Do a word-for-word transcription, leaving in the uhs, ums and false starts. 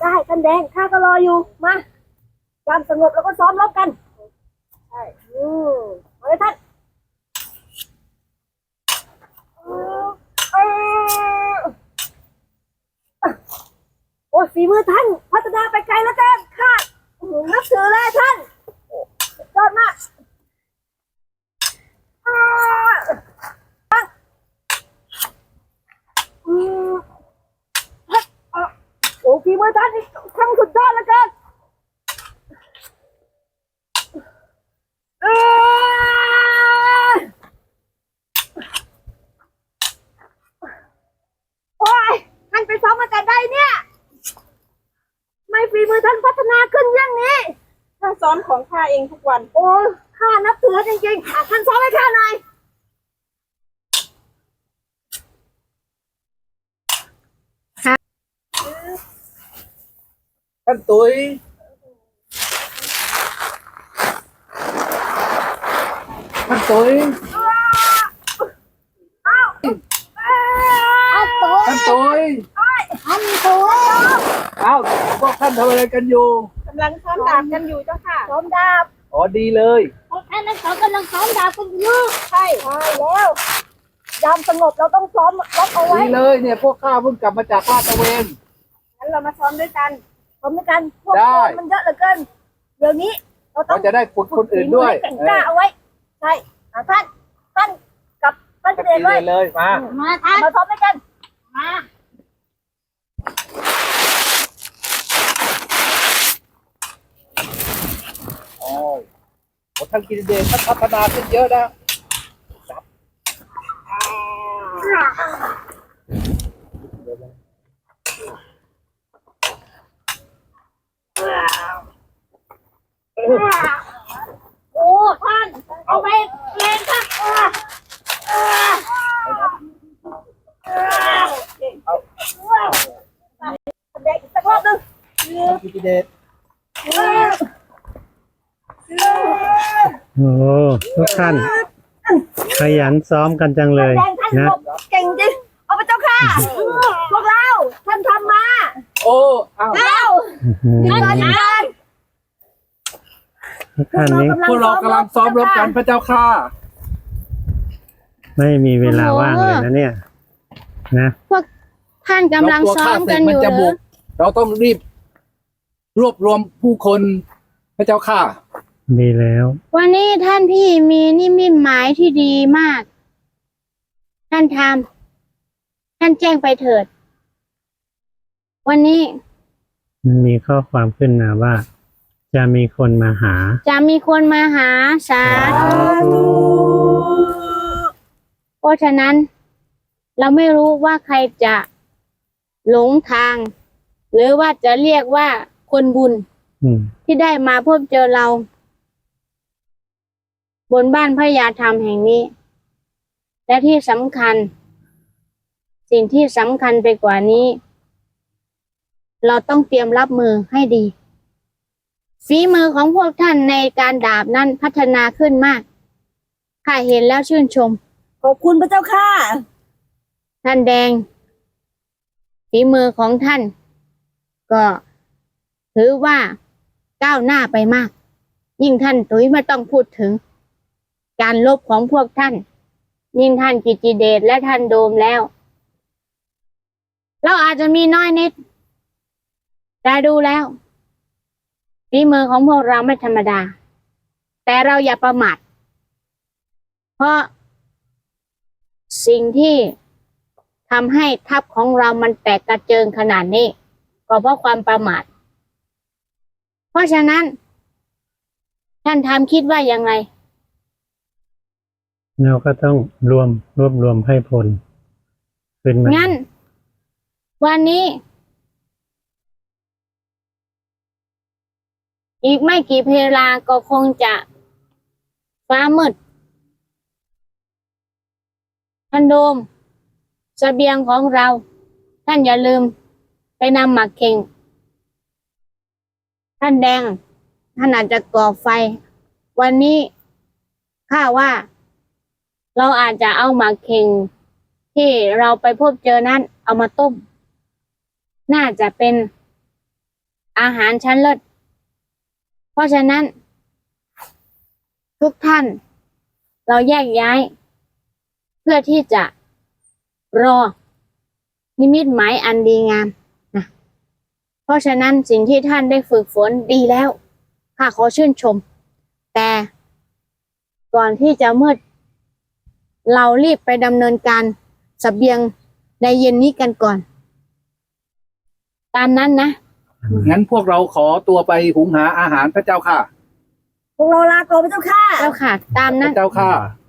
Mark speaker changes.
Speaker 1: ได้ท่านแดงข้าก็รออยู่มายามสงบแล้วก็ซ้อมรบกันใช่อืมมาเลยท่านโอ้ฝีมือท่านพัฒนาไปไกลแล้วกันข้านับถือเลยท่านยอดมากโอ้ฝีมือท่านนี่ทั้งสุดยอดแล้วกันโอ้ยท่านไปซ้อมมาแต่ใดเนี่ยไม่ฝีมือท่านพัฒนาขึ้นอย่างนี้
Speaker 2: ข้าซ้อมของข้าเองทุกวัน
Speaker 1: โอ้ข้านับถือจริงๆท่านซ้อมให้ข้าหน่อย
Speaker 3: ท่านตุ้ยท่านตุ้ยท่านตุ้ย
Speaker 1: ท่านตุ้ย
Speaker 3: เอ้าพวกท่านทำอะไรกันอยู่
Speaker 2: กำลังซ้อมดาบกันอยู่เจ้าค่ะ
Speaker 1: ซ้อมดาบ
Speaker 3: อ๋อดีเลย
Speaker 1: พวกท่านทั้งสองกำลังซ้อมดาบกันอยู่ใช่ใช่แล้วยามสงบเราต้องซ้อมรบเอาไว้
Speaker 3: ดีเลยเนี่ยพวกข้าเพิ่งกลับมาจากลาดตระเวน
Speaker 1: งั้นเรามาซ้อมด้วยกันซ้อมด้วยกันพวกคนมันเยอะเหลือเกินเดี๋ยวนี้เราต้อง
Speaker 3: จะได้ฝึกคนอื่นด้วย
Speaker 1: แข่งกล้าเอาไว้ใช่ท่านท่านกับท่านเจริญด้วย
Speaker 3: เลยมา
Speaker 1: มาท่านมาซ้อมด้วยกันมา
Speaker 3: โอ้ท่านกินเดชท่านพัฒนาขึ้นเยอะนะ
Speaker 1: โอ้ท่านเอาไปเล่นครับเด็กสักรอบนึง
Speaker 3: กินเดช
Speaker 4: โอ้ทุกท่านขยันซ้อมกันจังเลยนะ
Speaker 1: เก่งจริงเอาไปเจ้าค่ะพวกเราท่านทำมา
Speaker 3: โอ้เอา
Speaker 1: ท่านท่าน
Speaker 4: ทุกท่านนี้
Speaker 3: พวกเรากำลังซ้อมรบกันพระเจ้าค่ะ
Speaker 4: ไม่มีเวลาว่างเลยนะเนี่ยนะ
Speaker 5: พวกท่านกำลังซ้อมกันอยู่
Speaker 3: เราต้องรีบรวบรวมผู้คนพระเจ้าค่ะ
Speaker 4: ดีแล้ว
Speaker 5: วันนี้ท่านพี่มีนิมิตหมายที่ดีมากท่านทำท่านแจ้งไปเถิดวันนี้
Speaker 4: มีข้อความขึ้นมาว่าจะมีคนมาหา
Speaker 5: จะมีคนมาหาสาธุเพราะฉะนั้นเราไม่รู้ว่าใครจะหลงทางหรือว่าจะเรียกว่าคนบุญที่ได้มาพบเจอเราบนบ้านพระยาธรรมแห่งนี้และที่สำคัญสิ่งที่สำคัญไปกว่านี้เราต้องเตรียมรับมือให้ดีฝีมือของพวกท่านในการดาบนั้นพัฒนาขึ้นมากข้าเห็นแล้วชื่นชม
Speaker 1: ขอบคุณพระเจ้าค่ะ
Speaker 5: ท่านแดงฝีมือของท่านก็ถือว่าก้าวหน้าไปมากยิ่งท่านตุ้ยไม่ต้องพูดถึงการลบของพวกท่านยิ่งท่านกิจจิเดชและท่านโดมแล้วเราอาจจะมีน้อยนิดแต่ดูแล้วฝีมือของพวกเราไม่ธรรมดาแต่เราอย่าประมาทเพราะสิ่งที่ทำให้ทัพของเรามันแตกกระเจิงขนาดนี้ก็เพราะความประมาทเพราะฉะนั้นท่านทำคิดว่าอย่างไร
Speaker 4: เราก็ต้องรวมรวบรวมให้พลขึ้นมา
Speaker 5: งั้นวันนี้อีกไม่กี่เวลาก็คงจะฟ้ามืดท่านโดมเสบียงของเราท่านอย่าลืมไปนำหมากเข่งท่านแดงท่านอาจจะก่อไฟวันนี้ข้าว่าเราอาจจะเอาหมากเข่งที่เราไปพบเจอนั้นเอามาต้มน่าจะเป็นอาหารชั้นเลิศเพราะฉะนั้น ทุกท่าน เราแยกย้าย เพื่อที่จะรอ นิมิตหมายอันดีงามนะเพราะฉะนั้นสิ่งที่ท่านได้ฝึกฝนดีแล้วข้าขอชื่นชม แต่ก่อนที่จะมืด เรารีบไปดำเนินการเสบียงในเย็นนี้กันก่อน ตามนั้นนะ
Speaker 3: งั้นพวกเราขอตัวไปหุงหาอาหารพระเจ้าค่ะ
Speaker 1: พวกเราลาก่อนพระเจ้าค่ะ
Speaker 5: เจ้าค่ะ ตาม
Speaker 3: พ
Speaker 5: นั้น
Speaker 3: ระเจ้าค่ะ